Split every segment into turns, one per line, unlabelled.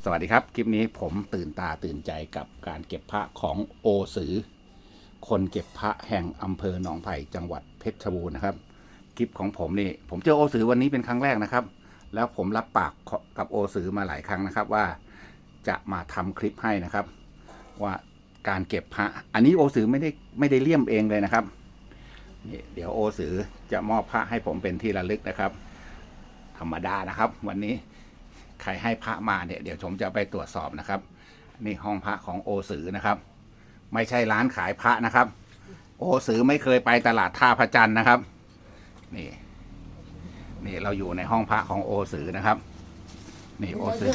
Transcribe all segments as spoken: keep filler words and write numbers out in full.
สวัสดีครับคลิปนี้ผมตื่นตาตื่นใจกับการเก็บพระของโอสือคนเก็บพระแห่งอำเภอหนองไผ่จังหวัดเพชรบูรณ์นะครับคลิปของผมนี่ผมเจอโอสือวันนี้เป็นครั้งแรกนะครับแล้วผมรับปากกับโอสือมาหลายครั้งนะครับว่าจะมาทำคลิปให้นะครับว่าการเก็บพระอันนี้โอสือไม่ได้ไม่ได้เลี่ยมเองเลยนะครับนี่เดี๋ยวโอสือจะมอบพระให้ผมเป็นที่ระลึกนะครับธรรมดานะครับวันนี้ใครให้พระมาเนี่ยเดี๋ยวผมจะไปตรวจสอบนะครับนี่ห้องพระของโอสือนะครับไม่ใช่ร้านขายพระนะครับโอสือไม่เคยไปตลาดท่าพระจันทร์นะครับนี่นี่เราอยู่ในห้องพระของโอสือนะครับนี่โอสือ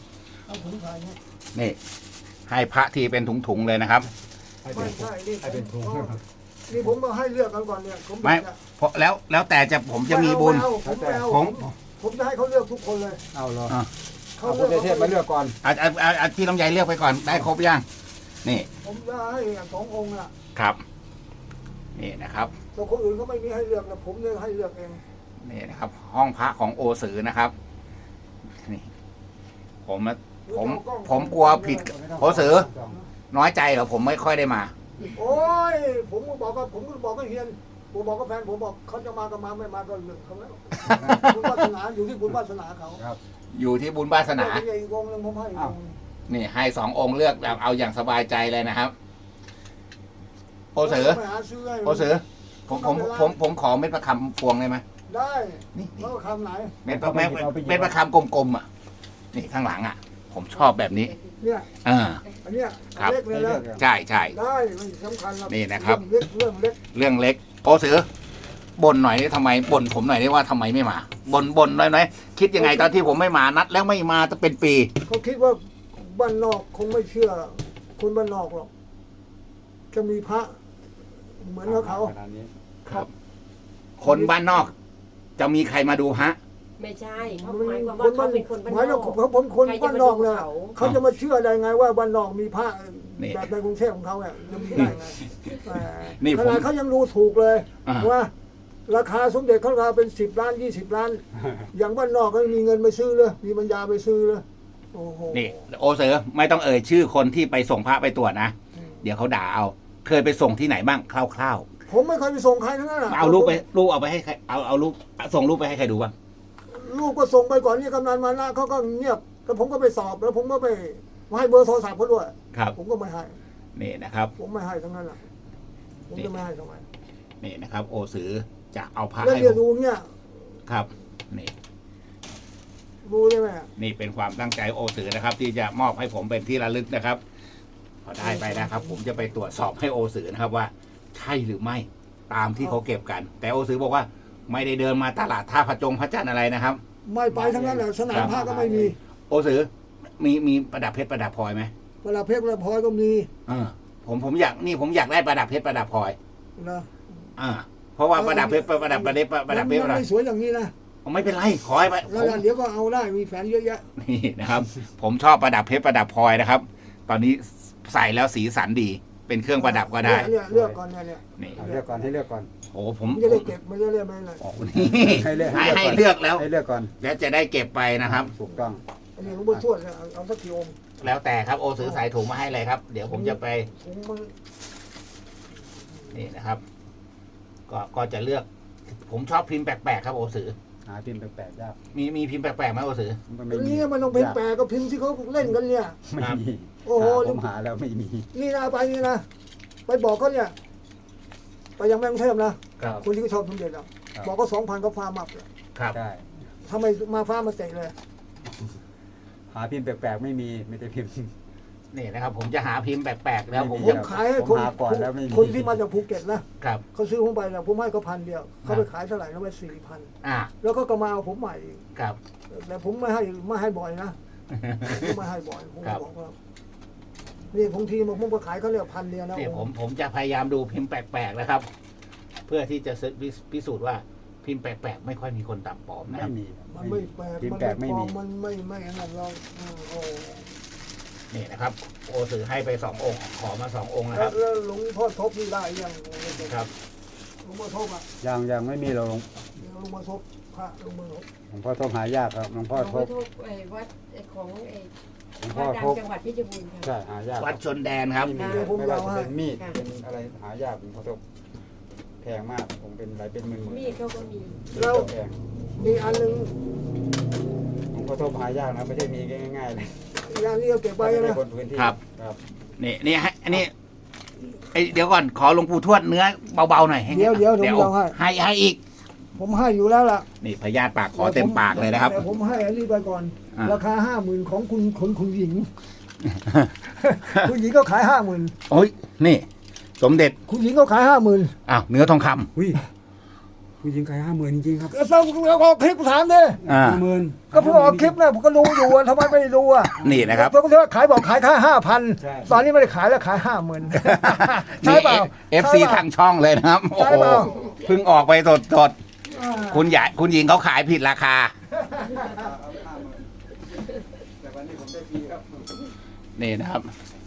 นี่ให้พระที่เป็นถุงๆเลยนะครับ
ไม่ใช่นี่
ให้เป็นถุง
นี่ผมมาให้เลือกกันก่อนเนี่ยผม
ไม่เพราะแล้วแล้วแต่จะผมจะมีบุญ
ผมไม่เอา
ผม
ผมจะให้เขาเลือกทุกคนเลย
เอาเหรอ
อ่ะ
เขา
เอา
เลื
คุ
อก
ณเทพมาเลือกก่อน
อาอาอาอาที่ลำไยเลือกไปก่อนได้ครบยังนี่
ผมจะให้สององค์อ่ะ
ครับนี่นะครับ
แต่คนอื่นเขาไม่มีให้เลือกนะผมเลยให้เลือกเอง
นี่นะครับ ห้องพระของโอสือนะครับนี่ผมผมผมกลัวผิดโอสือน้อยใจเหรอผมไม่ค่อยได้มา
โอ้ยผมก็บอกว่าผมก็บอกกับเฮียนผมบอกกับแฟนผมบอกเขาจะมาก็มาไม่มาก็เรื่องเขาแล้วบุญวาสนาอยู่ที่บุญวาสนาเขา
ครับ
อยู่ที่บุญวาสนา
อีกองค์หนึงผมให้อีกองค์หนึ่ง
นี่ให้สององค์เลือกแบบเอาอย่างสบายใจเลยนะครับโอสือ
ไปหาซื้อให้
โอสือผมผมผมผมขอเม็ดประคำพวงได้ไหม
ได้
นี่
แล้วคำไหน
เม็ดประเม็ดเม็ดประคำกลมๆอ่ะนี่ข้างหลังอ่ะ ผมชอบแบบนี้
เนี่ย
อ่า
อันเนี้ย
ครับ
เล็กเลยนะ
ใช่ใช่
ได้มันสำคัญ
นี่นะครับ
เรื่องเล็กเรื่องเล็ก
เรื่องเล็กโอสือบ่นหน่อยได้ทำไมบ่นผมหน่อยได้ว่าทำไมไม่มาบ่นบ่นหน่อยหน่อยคิดยังไงตอนที่ผมไม่มานัดแล้วไม่มาจะเป็นปี
เขาคิดว่าบ้านนอกคงไม่เชื่อ คนบ้านนอกหรอกจะมีพระ เหมือนกับเขา
ขนาดนี้
ครับ คนบ้านนอก จะมีใครมาดูฮะ
ไม่ใช่เขา
มัน
หมายความ
ค
ว่าน เขา
บ้าน
เป็นคนบ้าน
หมาย
น
ถึ
อง ก
เขาผมคน
ใครจะ
บ้าน
มาน
อก
ดู
เนี่ย
เขา
เขาจะมาเชื่อได้ไงว่าบ้านนอกมีพระ
นี่
แบบในกรุงเทพของเขาเนี่ยจะมีได้ไงแหม
นี่
ข
ผม
นาดเขายังรู้ถูกเลย
อ่า
ว่า ราคาสมเด็จเขาราคาเป็นสิบล้านยี่สิบล้าน อย่างบ้านนอกก็มีเงินไปซื้อเลยมีปัญญาไปซื้อเลยโอ้โห
นี่โอเสือไม่ต้องเอ่ยชื่อคนที่ไปส่งพระไปตรวจนะ
อืม
เดี๋ยวเขาด่าเอา เคยไปส่งที่ไหนบ้างคร่าว
ผมไม่เคยไปส่งใครทั้งนั้นน่ะ
ๆเอารูปไปรูปเอาไปให้ใครเอาเอารูปส่งรูปไปให้ใครดูบ้าง
ลูกก็ส่งไปก่อนนี่กำนันมานะเขาก็เงียบแล้วผมก็ไปสอบแล้วผมก็ไปให้เบอร์โทรศัพท์เขาด้วย
ครับ
ผมก็ไม่ให้
นี่นะครับ
ผมไม่ให้ทั้งนั้นแหละผมจะไม่ให้ทำไม
นี่นะครับ โอสือจะเอาพระ
แล้ว
ให้
เรียน
ผม
รู้เนี่ย
ครับนี่
รู้ได้ไหม
นี่เป็นความตั้งใจโอสือนะครับ ที่จะมอบให้ผมเป็นที่ระลึกนะครับ พอได้ไปนะครับ ผมจะไปตรวจสอบให้โอสือนะครับว่า ใช่หรือไม่ตามที่เขาเก็บกัน แต่โอสือบอกว่า ไม่ได้เดินมาตลาดท่าพระจงพระจันทร์อะไรนะครับ
ไม่ไปทั้งนั้นแหละสนามผ้าก็ไม่มี
โอสือมีมีประดับเพชรประดับพลอยไหม
เวลาเพชรเวลาพลอยก็มี
เออผมผมอยากนี่ผมอยากได้ประดับเพชรประดับพลอย
นะ
อ่าเพราะว่าประดับเพชรประดับประเด็ประดับเพชร
มั
ป
น
ระดับ
ไม่สวยอย่างนี้นะ
ไม่เป็นไรขอให้ไป
แล้ว
ผม
เดี๋ยวก็เอาได้มีแฟนเยอะแยะ
นี่นะครับ ผมชอบประดับเพชรประดับพลอยนะครับ ตอนนี้ใส่แล้วสีสันดี เป็นเครื่องประดับก็ได้
เนี่ยเลือกก่อนเนี่ยเนี่ย
นี่
เอาเลือกก่อนให้เลือกก่อน
โอ้ผม
มันจะได้เก็บมันจะได้ไม่อะไร
โอ้นี่
ให้เลือก
ให้
ให้
ให้
เลื
เลือ
อก กก่อน
แล้ว
ให้เลือกก่อน
แล้วจะได้เก็บไปนะครับ
ถูกต้อง
อันนี้หลวงพ่อทวดเนี่ยเอาเอาสักกี่องค์
แล้วแต่ครับโอซื้อสายถุงมาให้เลยครับ เดี๋ยวผมจะไป
ผมมัน
นี่นะครับ ก็ก็จะเลือก ผมชอบพิมพ์แปลกๆครับโอซื้อ
หาพิมพ์แปลกๆยาก
มีมีพิมพ์แปลกๆไหมโอซื้อ
มัน
อัน
ไม่มี
นี้มันต้องเป็นแปลก็พิมพ์ที่เขาเล่นกันเนี่ย
ไม่มี
โอ้โห
หาผมหาแล้วไม่มี
นี่นะไปนี่นะไปบอกเขาเนี่ยไปยังแม่งเทพนะครับ คนที่เขาชอบสมเด็จอ่ะ
ครับ
บอกก็สองพันก็ฟาร์มอัพเลย
ครับ
ใช่
ทำไมมาฟ้ามาเตะเลย
หาพิมพ์แปลกๆไม่มีไม่ได้พิมพ์
นี่นะครับ ผมจะหาพิมพ์แปลกๆแล้วผม
ผ
จะ
มขายให้
ผม
คน
หาก่อนแล้วไม่มี
คนที่มาจากภูเก็ตนะครับ เขาซื้อผมไปนะผมให้เขาพันเดียวเขาไปขายเท่าไหร่นะไปสี่พัน
อ่า
แล้วก็ก็มาเอาผมใหม่อีก
ครับ
แต่ผมไม่ให้ไม่ให้บ่อยนะผมไม่ให้บ่อยผม
ครับ
บอกว่านี่บางทีผมผมก็ขายเขาเรียกพันเดียวนะ
นี่ผมผมจะพยายามดูพิมพ์แปลกๆนะครับ เพื่อที่จะพิสูจน์ว่าพิมพ์แปลกๆไม่ค่อยมีคนตามปลอมนะค
ไม่
รับ
มี
มันไม่แปลก
พิม
มั
พ์
น
แปล
ไม่
กไม่
ปลอ
มี
มมันไม่ไม่อันนั้นเราอืมโอ้
นี่นะครับ โอสือให้ไปสององค์ ขอมาสององค์นะค
แล้
รั
ว
บ
แล้วหลวงพ่อทบนี่ได้ยัง
ครับ
หลวงพ่อทบอ่ะ
ยังยังไม่มีเราลง
หลวงพ่อทบพระลงมือ
หลวงพ่อทบหายากครับหลวงพ่อ
หลวง
ท
พ่อบ ทุกไอ้วัดไอ้ของไอ้
หลวง
วั
พ่อ
ดดั
ทบ
งจังหวัดเพชรบูรณ์ค่ะ
ใช่หายาก
วัดชนแดนครับ
ไม่มีไม่ว่าจะเป็นมีดเป็นอะไรหายากหลวงพ่อทบแพงมากผมเป็นหลายเป็นหมื่นหมื่น
มีดเขาก็มี
แล้ว
แพง
มีอันหนึ่ง
หลวงพ่อทบหายากนะไม่ใช่มีง่ายๆเลย
อีกอันนี้เอาเก็บไว้
ใน
นะ
คนพื้นที่
ครับ
ครับ
นี่นี่ให้อันนี้ไอยเดี๋ยวก่อนขอหลวงปู่ทวดเนื้อเบาๆหน่อยให้
เดี๋ยวเดี๋ยวผม
เดี๋ยว
ลองให้
ให้ให้อีก
ผมให้อยู่แล้วล่ะ
นี่พญาติปากขอเต็มปากเลยนะครับ
แต่ผมให้อันนี้ไปก่อน
อ่า
ราคาห้าหมื่นของคุณคุณคุณหญิง คุณหญิงก็ขายห้าหมื่น
โอ้ยนี่ สมเด็จ
คุณหญิงก็ขายห้าหมื่น
อ้าวเนื้อทองคำ
อุ้ยผู้หญิงขายห้าหมื่นจริงๆครับ
ก็ต้องเอาออกคลิปถามดิ
อ่า
ห้าหมื่น
ก็เพิ่งออกคลิปนะผมก็รู้อยู่อะทำไมไม่รู้อ่ะ
นี่นะครับ
เพราะว่าขายบอกขายแค่ห้าพัน
ใช่
ตอนนี้ไม่ได้ขายแล้วขายห้าหมื่นใช่
นี่
เปล่า
เอฟซีทางช่องเลยนะครับ โอ้
ใช่
โห
เปล่า
เพิ่งออกไปสดสด
อ่า
ๆคุณใหญ่คุณหญิงเขาขายผิดราคา
แต่วันนี้ผมได้ฟรีครับ
นี่นะครับ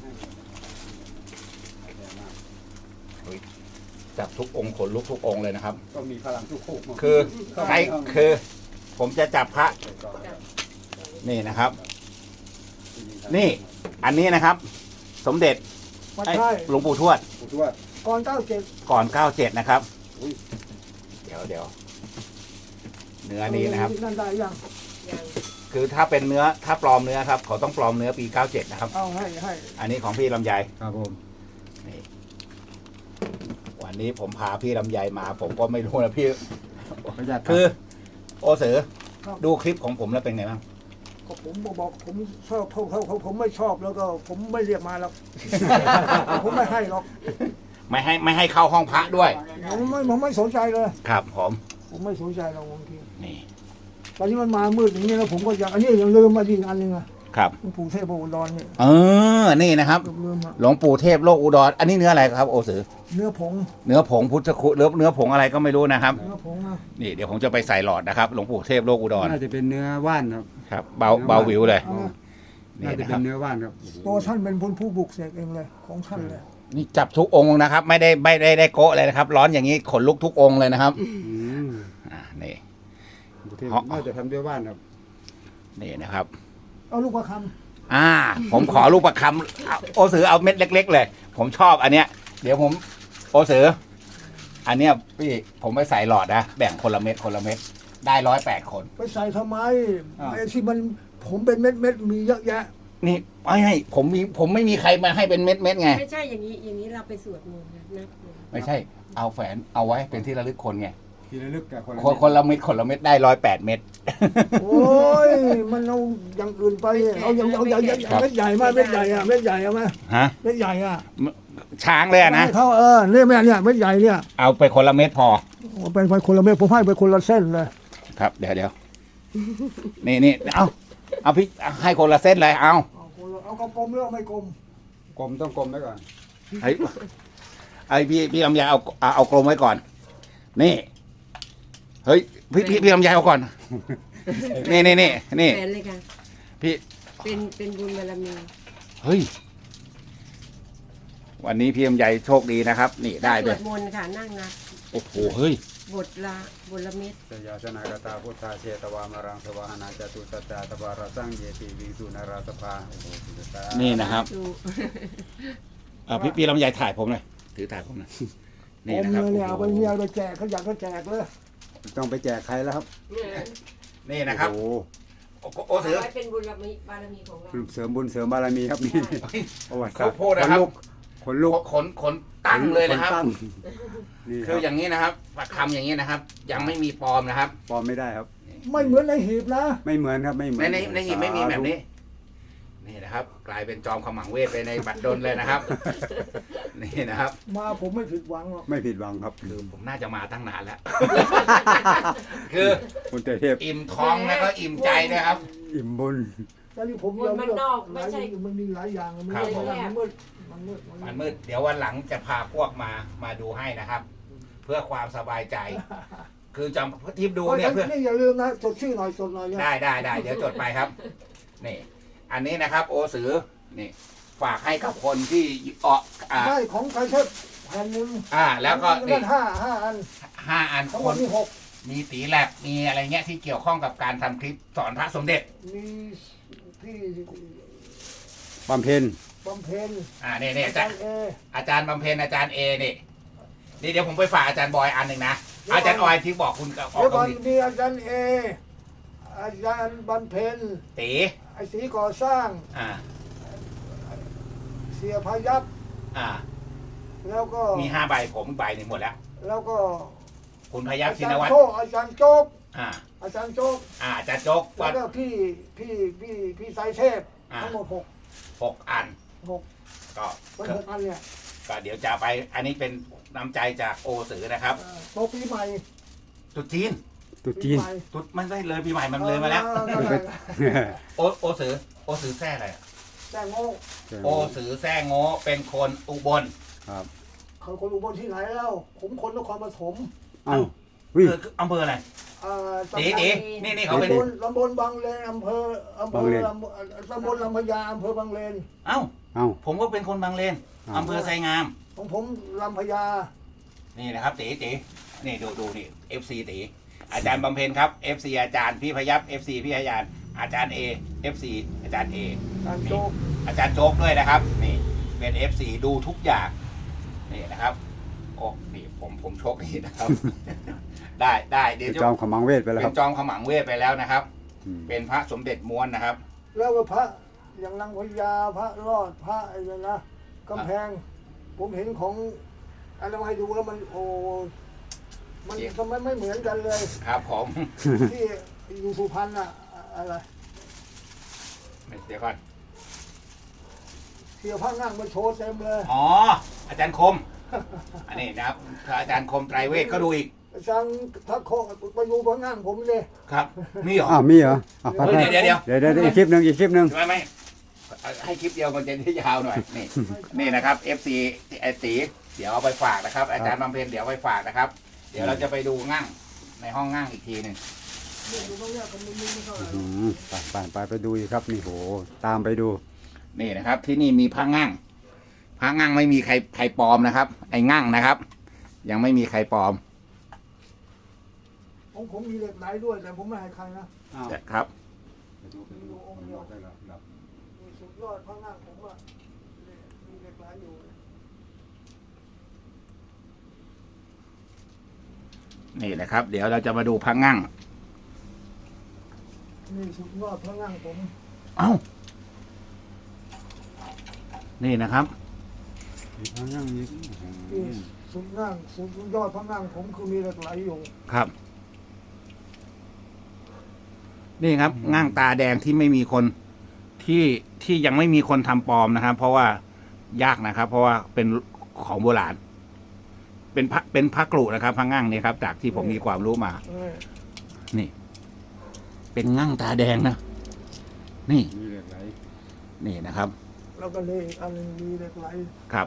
จับทุกองค์ขนลุกทุกองค์เลยนะครับ
ก็มีพลังทุกคู่
คือใครคือ ผมจะจับพระ นี่นะครับ นี่ อันนี้นะครับ สมเด็จ
ไม่
ไอ้
ใช่
หลวงปู่ทวด
ผู้ทวด
ก่อนเก้าเจ็ด
ก่อนเก้าเจ็ดนะครับ
อุ้ย
เดี๋ยวเดี๋ยวเนื้อนี้นะครับ
นั่นได้ยัง
อย่าง
คือถ้าเป็นเนื้อถ้าปลอมเนื้อครับ เขาต้องปลอมเนื้อปีเก้าเจ็ดนะครับ
เอาให้ให้
อันนี้ของพี่ลำไย
ครับผม
นี่วันนี้ผมพาพี่ลำไยมา ผมก็ไม่รู้นะพี่
ประหยัด
คือ โอเสือดูคลิปของผมแล้วเป็นไงบ้าง
ก็ผมบอกผมชอบเขาเขาเขาผมไม่ชอบแล้วก็ผมไม่เรียกมาหรอก ผมไม่ให้หรอก
ไม่ให้ไม่ให้เข้าห้องพระด้วย
ผมไม่ผมไม่สนใจเลย
ครับผม
ผมไม่สนใจหรอกบางที
นี่
ตอนนี้มันมามืดอย่างนี้แล้วผมก็อยากอันนี้ยังลืมมาอีกอันหนึงอ่ะ
ครับ
หลวงปู่เทพอุดรเนี่ย
เออนี่นะครับ
ลืมอ่ะ
หลวงปู่เทพโลกอุดร อันนี้เนื้ออะไรครับ โอสือ
เนื้อผง
เนื้อผงพุทธคุณหรือเนื้อผงอะไรก็ไม่รู้นะครับ
เนื้อผงนะ
นี่เดี๋ยวผมจะไปใส่หลอดนะครับ หลวงปู่เทพโลกอุดร
น่าจะเป็นเนื้อว่านครับ
ครับ เบาเบาวิวเลย
เอานะ
นี่
น่าจะ
นะค
เป็
รับ
นเนื้อว่านครับ
ตัวท่านเป็นผู้ผู้บุกเสกเองเลยของท่านเลย
นี่จับทุกองค์นะครับ ไม่ได้ไม่ได้ได้โกะเลยนะครับ ร้อนอย่างนี้ขนลุกทุกองค์เลยนะครับ
อืม
อ่านี่
กรุงเทพน่าจะทำด้วยว่านครับ
นี่นะครับ
เอาลูกประค
อ่า ผมขอรูปประคำเอาโอสือเอาเม็ดเล็ก ๆ เลย ผมชอบอันเนี้ย เดี๋ยวผม โอสือ อันเนี้ยพี่ผมไปใส่หลอดนะแบ่งคนละเม็ดคนละเม็ดได้ร้อยแปดคน
ำไปใส่ทำไม
อ้าว
ไอ้ที่มันผมเป็นเม็ดเม็ดๆมีเยอะแยะ
นี่ไม่ให้ผมมีผมไม่มีใครมาให้เป็นเม็ดเม็ดๆไง
ไม่ใช่อย่างนี้อย่างนี้เราไปสวดมนต์นะนับเลย
ไม่ใช่ เอาแฝนเอาไว้เป็นที่ระลึกคนไง
ทีละลึกกับคนละ
คนคนละเม็ดคนละเม็ดได้ร้อยแปดเม็ด
โอ้ยมันเอาอย่างอื่นไปเอาอย่างเอาอย่างอย่างเม็ดใหญ่มาเม็ดใหญ่อะเม็ดใหญ่อะมา
ฮะ
เม็ดใหญ่อะ
ช้างเลยอะนะ
ให้เขาเออเนี่ยแม่เนี่ยเม็ดใหญ่เนี่ย
เอาไปคนละเม็ดพอ
เอาเป็นไปคนละเม็ดผมให้ไปคนละเส้นเลย
ครับ เดี๋ยวเดี๋ยวนี่นี่เอาเอาพี่ให้คนละเส้นเลยเอา
เอาคนละเอากลมๆหรือเอาไม่กลม
กลมต้องกลมไว้ก่อน
ไอ้ไอ้พี่พี่ลำไยเอาเอาเอากลมไว้ก่อน นี่ เฮ้ยพี่พี่พี่ลำไยเอาก่อน นี่นี่นี่นี่
แฟนเลยค่ะ
พี่
เป็นเป็นบุญบารมี
เฮ้ย วันนี้พี่ลำไยโชคดีนะครับ นี่ได้
ส
เล
วย ดมนต์ค่ะนั่งนับ
โอ้โหเฮ้ย
บทละบทละเม็ด
เสยาสนากตาพุทธาเชตวามารังสวาหนาจตุสัจจาตวาราสังเยติวิงสุนาราสภาโอ้โหสุดยอด
นี่นะครับ
ดู
เอาพี่พี่ลำไยถ่ายผมหน่อยถือถ่ายผมหน่อย
ก
นี่
ลม
นะครับ
เลยเนี่ยเอาไปเนี่ย
โอ้
เอาไปแจกเขาอยากก็แจกเลย
ต้องไปแจกใครแล้วครับ
นี่นะครับ
โอ้โห
โอ้โหโอ้เสือ
ไว้เป็นบุญบารมีบารมีของเรา
เสริมบุญเสริมบารมีครับนี่ประวัติศาสตร์
เขาพูดนะครับ
ขนลุก
ขนขนตั้งเลยนะครับ
ขตั้งนี่ค
คืออ
รับ
ย่างนี้นะครับปักคำอย่างนี้นะครับ ยังไม่มีปลอมนะครับ
ปลอมไม่ได้ครับ
ไม่เหมือนในหีบนะ
ไม่เหมือนครับไม่เหมือ
ใน
น
ในในหีบไม่มีแบบนี้ นี่นะครับ กลายเป็นจอมขมังเวทไปในบัตรดลเลยนะครับ นี่นะครับ
มาผมไม่ผิดหวังหรอก
ไม่ผิดหวังครับ
คือผมน่าจะมาตั้งนานแล้ว คือ
คุณเตเทพ
อิ่มท้องแล้วก็อิ่มใจนะครับ
อิ่มบุญ
ตอนนี้ผมยอมเลือกหลายมันมีหลายอย่างมัน
ครับ
มืดมันมืดมันมืด
มันมืดเดี๋ยววันหลังจะพาพวกมามาดูให้นะครับ เพื่อความสบายใจ คือจำทิปดูเนี่ยเพื่อ
นี่อย่าลืมนะจดชื่อหน่อยจดหน่อย
ได้ได้ได้เดี๋ยวจดไปครับ นี่ อันนี้นะครับ โอสือนี่ ฝากให้กับคนที่เอออ่า
ได้ของใครเช่แผ่นหนึ่ง
อ่า แล้วก็นี่
ห้าห้าอัน
ห้าอัน
ทั้งห
ค
มด
น
มีหก
มีตีแลบมีอะไรเงี้ยที่เกี่ยวข้องกับการทำคลิปสอนพระสมเด็จ
มีพี่
บำเพ็ญ
บำเพ็ญ
อ่าเนี่ยเนี่ยอาจารย์
เอ
อาจารย์บำเพ็ญอาจารย์เอนี่นี่เดี๋ยวผมไปฝากอาจารย์บอยอันหนึ่งนะอาจารย์ออยที่บอกคุณกับออก
เดี๋ยว
ตร
ก่
ง
อน
นี้
มีอาจารย์เออาจารย์บำเพ็ญ
ตี
ไอ้สีก่อสร้าง
อ่า
เสียพายัพ
อ่า
แล้วก็
มีห้าใบผมใบหนึ่งหมดแล้ว
แล้วก็
คุณพยัคฆ์
อา
ชิ
จาร
น
ย์
วัตร
โจ๊กอาจารย์โจ๊ก
อ่า
อาจารย์โจ๊ก
อ่าอาจารย์โจ๊ก
แล้
วั
ว
ด
ก็พี่พี่พี่พี่สายเทพ
อ่า
ทั้งหมดหก
หกอัน
หก
ก็
เป็นหกอันเนี่ย
ก็เดี๋ยวจะไปอันนี้เป็นน้ำใจจากโอสือนะครับ
เอ่อโตะปีใหม่
จุดจีน
ตุ๊จีน
ปีใหม่
จุดมันได้เลยปีใหม่มันเลยมาแล้ว
ออนั่นแหละ
โอโอสือโอสือแท้อะไรอะ
แต่โง่
โอสือแท้โง่เป็นคนอุบล
ครับ
เขาคนอุบลที่ไหนแล้ว ผมคนนครปฐม
เอ้าวิ่ง
คือคืออำเภออะไร
เอ่อ
ตีตีนี่นี่เขาเป็น
ตำบลตำบลบางเลนอำเภออำเภ
บาง
อ
เลน
ลำตำบลลำพญาอำเภอบางเลน
เอ้า
เอ้า
ผมก็เป็นคนบางเลน
อ่า
อำเภอไซงาม
ของผมลำพญา
นี่นะครับตีตีนี่ดูดูนี่เอฟซีตีอาจารย์บำเพ็ญครับเอฟซีอาจารย์พี่พยับเอฟซีพี่พยานอาจารย์เอเอฟซีอาจารย์เอ
การโจ๊ก
อาจารย์โจ๊กด้วยนะครับ นี่เป็นเอฟซีดูทุกอย่างนี่นะครับโอ้นี่ผมผมโชคดีนะครับ ได้ได้เดี๋ยว
จอมขมังเวทไปแล้ว
เป็
ครับ
นจอมขมังเวทไปแล้วนะครับ
อืม
เป็นพระสมเด็จม้วนนะครับ
แล้วก็พระอย่างนางพญาพระรอดพระอะไรนะกำแพง ผมเห็นของอะไรมาให้ดูแล้วมันโอ้มัน
เสีย
ทำไมไม่เหมือนกันเลย
ครับผม
ที่อยู่สุพรรณอะอะไร
เดี๋ยวก่อน
เสียพระนั่งมาโชว์เต็มเลย
อ๋ออาจารย์คม อันนี้นะครับอาจารย์คมไตรเวทก็ดูอีก
อาจารย์ทักโคไปดูพระนั่งผมเลย
ครับนี่เหรอ
อ้าวมีเหรออ่ะไป
เฮ้ย
ไป
เดี๋ยวเดี๋ยว
เดี๋ยวเดี๋ยวอีกคลิปหนึ่งอีกคลิปหนึ่ง
ไม่ไม่ให้คลิปเดียวมันจะได้ยาวหน่อยนี่ นี่นะครับ เอฟ ซี ไอตีเดี๋ยวเอาไปฝากนะครับ อาจารย์บำเพ็ญเดี๋ยวเอาไปฝากนะครับ เดี๋ยวเราจะไปดูงั่งในห้องงั่งอีกทีหนึ่ง
นี่ดูตรงเนี้ยมันไม่ไม่เท่าไหร่
อืมไปไปไปไปดูอีกครับนี่โหตามไปดู
นี่นะครับ ที่นี่มีพระงั่งพระงั่งไม่มีใครใครปลอมนะครับ ไอ้งั่งนะครับ ยังไม่มีใครปลอม
ผมผมมีเหล็กไหลด้วยแต่ผมไม่ให้ใครนะ
ครับ
ไปดูไปดูตำรวจได้แล้วครับ
มีสุดยอดพระนั่งผมว่ามีเหล็กไหลอยู่
นี่นะครับ เดี๋ยวเราจะมาดูพระงั่ง
นี่สุดยอดพระนั่งผม
เอ้านี่นะครับ
มีพระนั่งอีก
นี่สุดนั่งสุดยอดพระนั่งผมคือมีเหล็กไหลอยู่
ครับ นี่ครับงั่งตาแดงที่ไม่มีคนที่ที่ยังไม่มีคนทำปลอมนะครับ เพราะว่ายากนะครับ เพราะว่าเป็นของโบราณ เป็นพระเป็นพระกรุนะครับพระงั่งนี่ครับ จากที่ผมมีความรู้มา
เออ
นี่ เป็นงั่งตาแดงนะนี่
มีเหล็กไหล
นี่นะครับ
แล้วก็เลยอีกอันหนึงมีเหล็กไหล
ครับ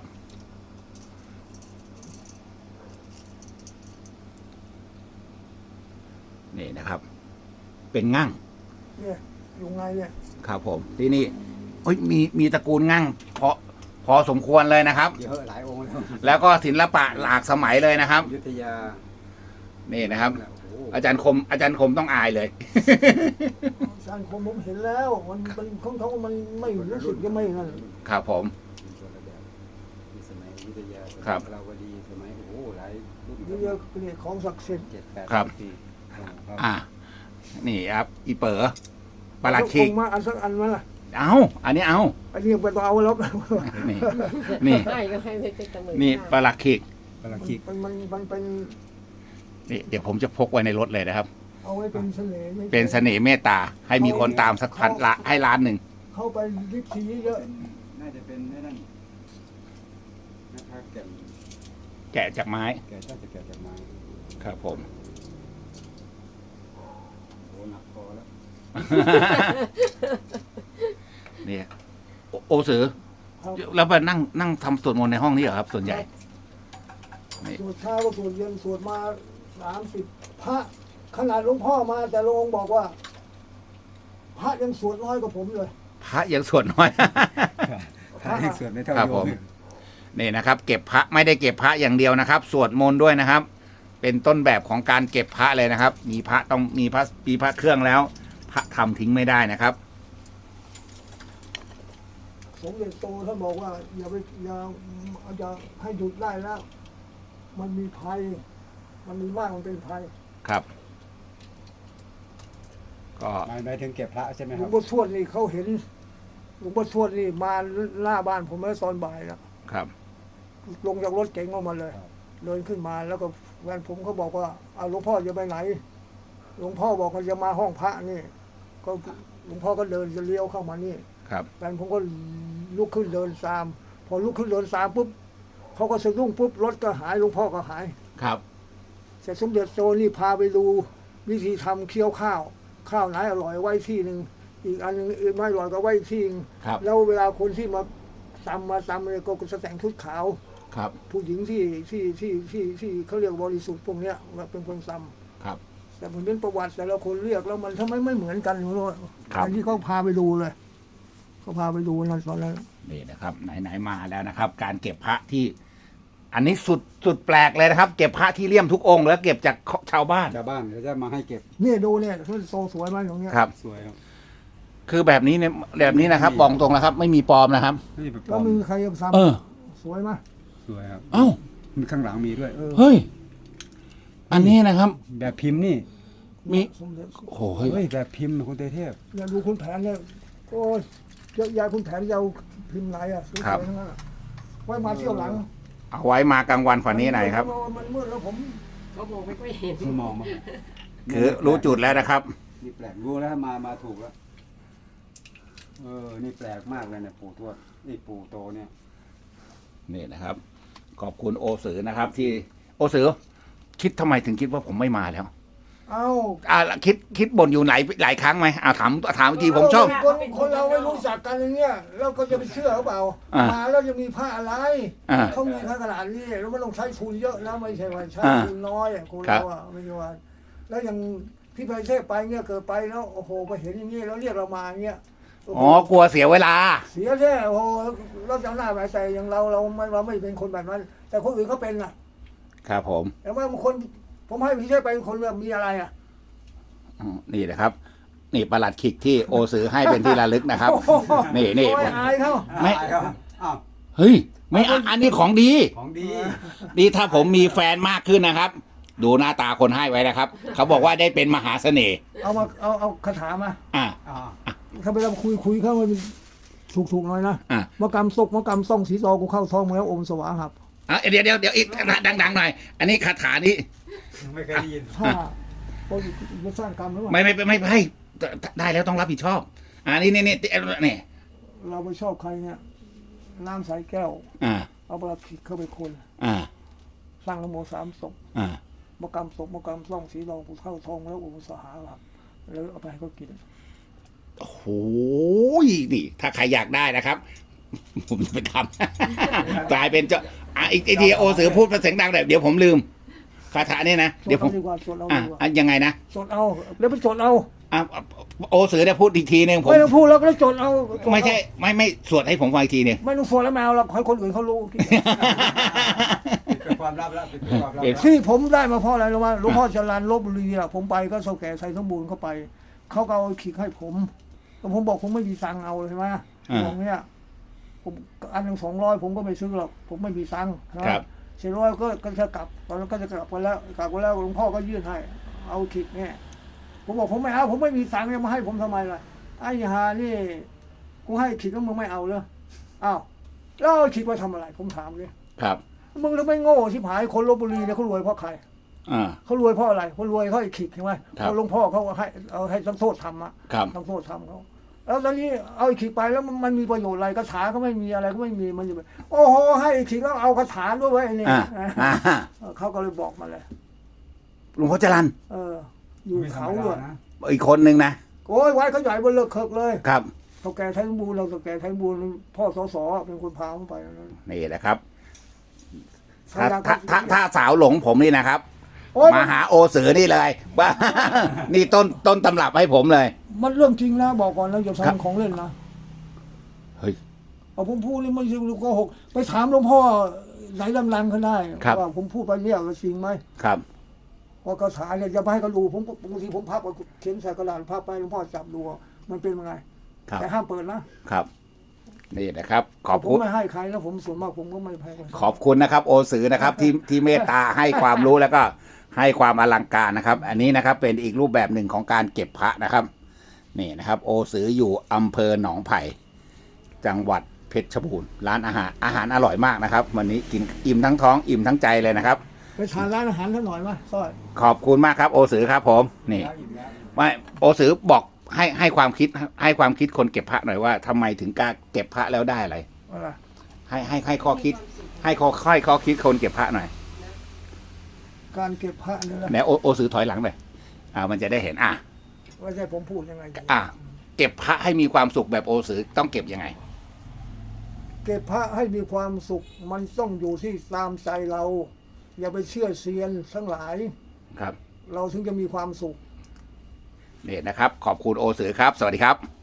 นี่นะครับ เป็นงั่ง
เนี่ยอยู่ไงเนี่ย
ครับผม ที่นี่เอ้ยมีมีตระกูลงั่งพอพอสมควรเลยนะครับ
เยอะหลายองค์แล้ว
แล้วก็ศิลปะหลากสมัยเลยนะครับ
อยุธยา
นี่นะครับ
โอ้โห
อาจารย์คม อาจารย์คมต้องอายเลย
อาจารย์คมผมเห็นแล้ว มันเป็นของเขามันไม่รู้สึกจะไม่นั่น
ครับผม
เป็นคนละแบบมีสมัยอยุธยาสมัย
ครับ
พลาวดีสมัยโอ้โหหลายรุ่น
นี่เรียกเรียกของศักดิ์สิทธิ์
เจ็ดแปด
ครับ
ปีครับ
อ่า นี่ครับ อีเป๋อปลัดขิก
เอามาอันสักอันไหมล่ะ
เอาอันนี้เอา
อันนี้ไปต้องเอาแล้ว
นี่ นี่
ให้ก็ให้ไม่เป็นเสมอ
นี่ปลัดขิก
ปลาคิก
มันมันมันเป็น
นี่เดี๋ยวผมจะพกไว้ในรถเลยนะครับ
เอาไว้เป็นเสน่ห์ไม่ใช่
เป็นเสน่ห์เมตตา ให้มีคนตามสักพันละให้ล้านหนึ่ง
เข้าไปวิธีเยอะ
น่าจะเป็นไม่นั่นนะครับแก่น
แกะจากไม้
แก่น่าจะแก่จากไม้
ครับผม
โอ้หนักพอแล้ว
เนี่ยโอโอสือ
ครับ
แล้วไปนั่งนั่งทำสวดมนต์ในห้องนี้เหรอครับ ส่วนใหญ่ นี่
สวดเช้าก็สวดเย็นสวดมาสามสิบพระขนาดหลวงพ่อมาแต่หลวงองค์บอกว่า พระยังสวดน้อยกว่าผมเลย
พระยังสวดน้อย
ถ้าให้ส่วนไม่เท่า
ครับ
โย
ผม นี่นะครับ เก็บพระไม่ได้เก็บพระอย่างเดียวนะครับ สวดมนต์ด้วยนะครับเป็นต้นแบบของการเก็บพระเลยนะครับ มีพระต้องมีพระมีพระเครื่องแล้ว พระทำทิ้งไม่ได้นะครับ
สมเด็จโตท่านบอกว่าอย่าไปอย่าอย่าให้หยุดได้แล้ว มันมีภัย มันมีมากมันเป็นภัย
ครับ ก็
หมายหมายถึงเก็บพระใช่ไหม
หล
คว รั
ง
บ
พ่อทวดนี่เขาเห็นหลวงพ่อทวดนี่มาหน้าบ้านผมเมื่อตอนบ่ายแล้ว
ครับ
ลงจากรถเก๋งออกมาเลย
ครับ
เดินขึ้นมาแล้วก็แฟนผมเขาบอกว่าเอาหลวงพ่อจะไปไหน หลวงพ่อบอกว่าจะมาห้องพระนี่ ก็หลวงพ่อก็เดินจะเลี้ยวเข้ามานี่
ครับ
แฟนผมก็ลุกขึ้นเดินตาม พอลุกขึ้นเดินตามปุ๊บเขาก็สะดุ้งปุ๊บรถก็หายหลวงพ่อก็หาย
ครับ
เสร็จสมเด็จโตนี่พาไปดูวิธีทำเคี่ยวข้าว ข้าวไหนอร่อยไว้ที่หนึ่งอีกอันหนึงอื่นไม่อร่อยก็ไว้ที่หนึ่ง
ครับ
แล้วเวลาคนที่มาตำมาตำเลยก็จะแต่งชุดขาว
ครับ
ผู้หญิงที่ที่ที่ที่ที่เขาเรียกบริสุทธิ์พวกเนี้ยเป็นคนต
ครับ
ำแต่ผมเป็นประวัติแต่ละคนเรียกแล้วมันทำไมไม่เหมือนกันไม่รู้
ครับ
อันนี้เขาพาไปดูเลยเขาพาไปดูนั่นตอนนั้น
นี่นะครับ ไหนๆมาแล้วนะครับ การเก็บพระที่ อันนี้สุดสุดแปลกเลยนะครับ เก็บพระที่เลี่ยมทุกองค์แล้วเก็บจากชาวบ้าน
ชาวบ้านเขาจะมาให้เก็บ
นี่ดูเนี่ยเขาโตสวยไหมตรงเนี้ย
ครับ
สวยครับ
คือแบบนี้เนี่ยแบบนี้นะครับบอกตรงนะครับ ไม่มีปลอมนะครับ
นี่เป็นปล
แล้
อ
ว
ม
มีใครจะซ้
เออ
ำสวยไหม
สวยครับ
เอ้า
มีข้างหลังมีด้วย
เออ
เฮ้ย อันนี้นะครับ
แบบพิมพ์นี่
มี
สมเด็จ
โอ้โหเฮ้ย
เฮ้ยแบบพิมพ์นะคุณเตเทพ
เนี่ยดูคุณแผนเนี่ยโอ้ยเยอะแยายคุณแผนจะเอาพิมพ์ไหนอ่ะสวยๆทั้งนั้นอะไว้มาเที่ยวหลัง
เอาไว้มากลางวันกว่านี้หน่อยครับ
มันมืดแล้วผม
เขาบอกไม่ค่อยเห็น
คุณมองมา
คือรู้จุดแล้วนะครับ
นี่แปลกรู้แล้วมามาถูกแล้วเออนี่แปลกมากเลยเนี่ยปู่ทวดนี่ปู่โตเนี่ย
นี่นะครับ ขอบคุณโอสือนะครับ ที่โอสือ คิดทำไมถึงคิดว่าผมไม่มาแล้ว
เอ้า
อ่าคิดคิดบ่นอยู่หลายหลายครั้งไหมอ่าถามถามทีผมชอบ
คนคนเราไม่รู้จักกันอย่างเงี้ยเราก็จะไปเชื่อเขาเปล่า
อ่า
มาแล้วจะมีผ้าอะไร
อ่า
เขามีผ้าขนาดนี้แล้วมันต้องใช้ทุนเยอะนะไม่ใช่ว่าใช้
อ่า
ทุนน้อยอะคน
ครั
เรา
บ
อะไม่ใช่ว่าแล้วอย่างพี่ไพเทพไปเงี้ยเกิดไปแล้วโอ้โหไปเห็นอย่างงี้แล้วเรียกเรามาอย่างเงี้ยโโห
อ๋อกลัวเสียเวลา
เสียแท้โอ้โหเราจำหน้าไปแต่อย่างเราเราไม่เราไม่เป็นคนแบบนั้น แต่คนอื่นเขาเป็นน่ะ
ครับผม
แต่ว่าบางคนผมให้พี่เทพไปคนแบบมีอะไรอ่ะ
อืมนี่นะครับ นี่ประหลัดขิกที่โอสือให้เป็นที่ระลึกนะครับ นี่นี่
โอ้ยอายเขา
ไม่
อ่าครับอ้าว
เฮ้ย ไม่อ่ะอันนี้ของดี
ของดี
นี่ถ้าผมมีแฟนมากขึ้นนะครับ ดูหน้าตาคนให้ไว้นะครับ เขาบอกว่าได้เป็นมหาเสน่ห์
เอามาเอาเอาคาถามา
อ่า
อ่า
ถ้าไปเราคุยคุยเข้ามันถูกถูกๆหน่อยนะ
อ่ะ
มากรรมซกมากรรมซ่องสีซอกูเข้าท้องมาแล้วอมสวาหับ
อ่ะเดี๋ยวเดี๋ยวเดี๋ยวอีกดังๆหน่อย อันนี้คาถานี้
ไม่เคยได้ยิน
ถ้าเราจะสร้างกรรมหรือเปล่า
ไม่ไม่ไม่ไม่ให้ได้แล้วต้องรับผิดชอบ อ่านี่นี่นี่นี่
เราไปชอบใครเนี่ยน้ำใสแก้ว
อ่า
เอาปลาขิดเข้าไปคน
อ่า
สร้างนโมสามศพ
อ่า
มากรรมศพมากรรมซ่องสีรองกูเข้าท้องแล้วอมสวาหับแล้วเอาไปให้เขากิน
โอ้โหนี่ ถ้าใครอยากได้นะครับ ผมจะไปทำ กลายเป็นเจ้าอ่ะอีกอีกทีโอสือพูดภาษาเสียงดังแบบเดี๋ยวผมลืมคาถานี่นะ
ส
เดี๋ย
ด
วผม
เอาดีกว่าสดเอา
อ่ะ
ดีกว่า
อ่ะยังไงนะ
สดเอาแล้วไปสดเอา
อ่ะโอสือเนี่ยพูดอีกทีหนึ่งผม
ไม่ต้องพูดแล้วก็สดเอาสดเอา
ไม่ใช่ ไม่ไม่สวดให้ผมฟังอีกทีหนึ่ง
ไม่ต้องสดแล้วแมวหรอกให้คนอื่นเขารู้
เป็นความลับแล้วเป็นความลับ
เอ๊ะ
แล้ว
ที่ผมได้มาเพราะอะไรรู้ไหมหลวงพ่อจรัญลบบุรีอะผมไปก็เสาแก่ใส่สมบูรณ์เข้าไป เขาก็เอาขิกให้ผมแต่ผมบอกผมไม่มีตังค์เอาใช่ไหมบอกเนี่ยผมอันหนึ่งสองร้อยผมก็ไม่ซื้อหรอกผมไม่มีตังค์นะครับ เสร็จร้อยก็ก็จะกลับตอนนั้นก็จะกลับกันแล้วกลับกันแล้วหลวงพ่อก็ยื่นให้ เอาขิกเนี่ยผมบอกผมไม่เอาผมไม่มีตังค์จะมาให้ผมทำไมล่ะไอ้ฮานี่กูให้ขิกแล้วมึงไม่เอาเลยอ้าวแล้วเอาขิกไปทำอะไร ผมถามเลย
ครับ
มึงทำไมโง่ชิบหายคนลบบุรีเนี่ยเขารวยเพราะใคร
อ่า
เขารวยเพราะอะไรเขารวยเขาไอ้ขิกใช่ไหม
ครับ
เขาหลวงพ่อเขาให้เอาให้ทั้งโทษทำอะ
ครับ
ทั้งโทษทำเขาแล้วตอนนี้เอาไอ้ขิกไปแล้วมันมันมีประโยชน์อะไรคาถาก็ไม่มีอะไรก็ไม่มีมันจะไปโอ้โหให้ไอ้ขิกแล้วเอาคาถาด้วยเว้ยไอ้นี่
อ่าอ่า
เออเขาก็เลยบอกมาเลย
หลวงพ่อจรัญ
เออ อยู่
ไม่ธรร
เขา
ม
ด้ว
ดาย นะ
อีกคนหนึ่งนะ
โอ้ยไว้เขาใหญ่บนเลิกเคิกเลย
ครับ
เท่าแก่ไทยสมบูรณ์เราเท่าแก่ไทยสมบูรณ์พ่อสสเป็นคนพาเขาไปนั่น
นี่แหละครับ
ใคร
ถ้า
อยาก
ถ้าถ้าถ้าสาวหลงผมนี่นะครับ
โอ้ย
มาหาโอสือนี่เลย ว่า นี่ต้นต้นตำรับให้ผมเลย
มันเรื่องจริงนะบอกก่อนนะอย่า
ครับ
ทำของเล่นนะ
เฮ้ย
เอาผมพูดนี่ไม่ใช่โกหกไปถามหลวงพ่อไหนดังๆเขาได้
ครับ
ว่าผมพูดไปเนี่ยว่าจริงไหม
ครับ
พอกระถาเนี่ยจะไปให้เขาดูผมบางทีผมพับเอาเขียนใส่กระดาษพับไปหลวงพ่อจับดูมันเป็นยังไง
ครับ
แต่ห้ามเปิดนะครับ
นี่นะครับ ขอบ
ผม
คุณ
ไม่ให้ใครแล้วผมส่วนมากผมก็ไม่แพ้ใคร
ขอบคุณนะครับ โอสือนะครับที่ที่เมตตาให้ความรู้แล้วก็ให้ความอลังการนะครับ อันนี้นะครับเป็นอีกรูปแบบหนึ่งของการเก็บพระนะครับนี่นะครับ โอสืออยู่อำเภอหนองไผ่จังหวัดเพชรบูรณ์ร้านอาหารอาหารอร่อยมากนะครับ วันนี้กินอิ่มทั้งท้องอิ่มทั้งใจเลยนะครับ
ไปทานร้านอาหารท่านหน่อยไหมสร้อย
ขอบคุณมากครับ โอสือครับผมนี่ไม่โอสือบอกให้ให้ความคิดให้ความคิดคนเก็บพระหน่อยว่าทำไมถึงกล้าเก็บพระแล้วได้อะไร
อะไร
ให้ให้ให้ข้อคิด ให้ข้อค่อยข้อคิดคนเก็บพระหน่อย
การเก็บพระนี่นะ
ไหนโอโอสือถอยหลังหน่อยอ่ามันจะได้เห็นอ่ะ
ว่าจะให้ผมพูดยังไง
อ่ะเก็บพระให้มีความสุขแบบโอสือต้องเก็บยังไง
เก็บพระให้มีความสุขมันต้องอยู่ที่ตามใจเรา อย่าไปเชื่อเซียนทั้งหลาย
ครับ
เราถึงจะมีความสุข
นี่นะครับ ขอบคุณโอสือครับ สวัสดีครับ